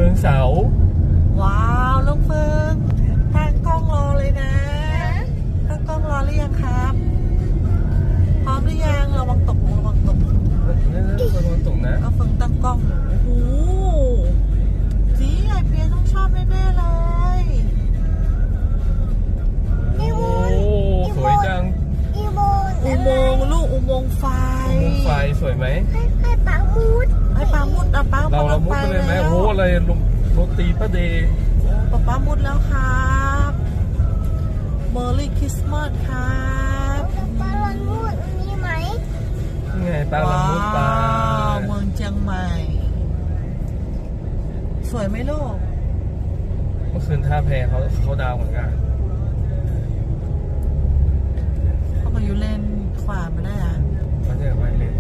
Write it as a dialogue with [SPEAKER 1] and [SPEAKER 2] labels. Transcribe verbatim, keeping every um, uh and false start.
[SPEAKER 1] งเสา
[SPEAKER 2] ว้าวลูกเฟิงตั้งกล้องรอเลยนะตั้งกล้องรอหรือยังครับพร้อมหรือยังระวังตกระวังตก
[SPEAKER 1] นี่นี่ระวังตกนะ
[SPEAKER 2] ก็เฟิงตั้งกล้องอยู่โอ้โหจีไอเปียต้องชอบแน่ๆเลย
[SPEAKER 1] โอ้สวยจัง
[SPEAKER 3] อุโมงค์
[SPEAKER 2] อุโมงค์ลูกอุโมงค์ไฟ
[SPEAKER 1] อุโมงค์ไฟสวยไหม
[SPEAKER 3] ให้ให้ปามุด
[SPEAKER 2] ให้ปามุดอ่ะป้า
[SPEAKER 1] เราเรามุดไปเลยไหมโอ้โหอะไรโรตีป้าเดย์
[SPEAKER 2] ป้าป้ามุดแล้วครับเมอร์รี่คริสต์มาสครับ
[SPEAKER 3] ปาลอนมุดมีไหม
[SPEAKER 1] นี่ไงป้าเรามุดไป
[SPEAKER 2] เมืองเชียงใหม่สวยไหมลูก
[SPEAKER 1] เมื่อคืนท่าแพเขาเขาดาวเหมือนกัน
[SPEAKER 2] เขาก็อยู่เลนขวาไม่ได้อ่ะ
[SPEAKER 1] เขาจะไปเลน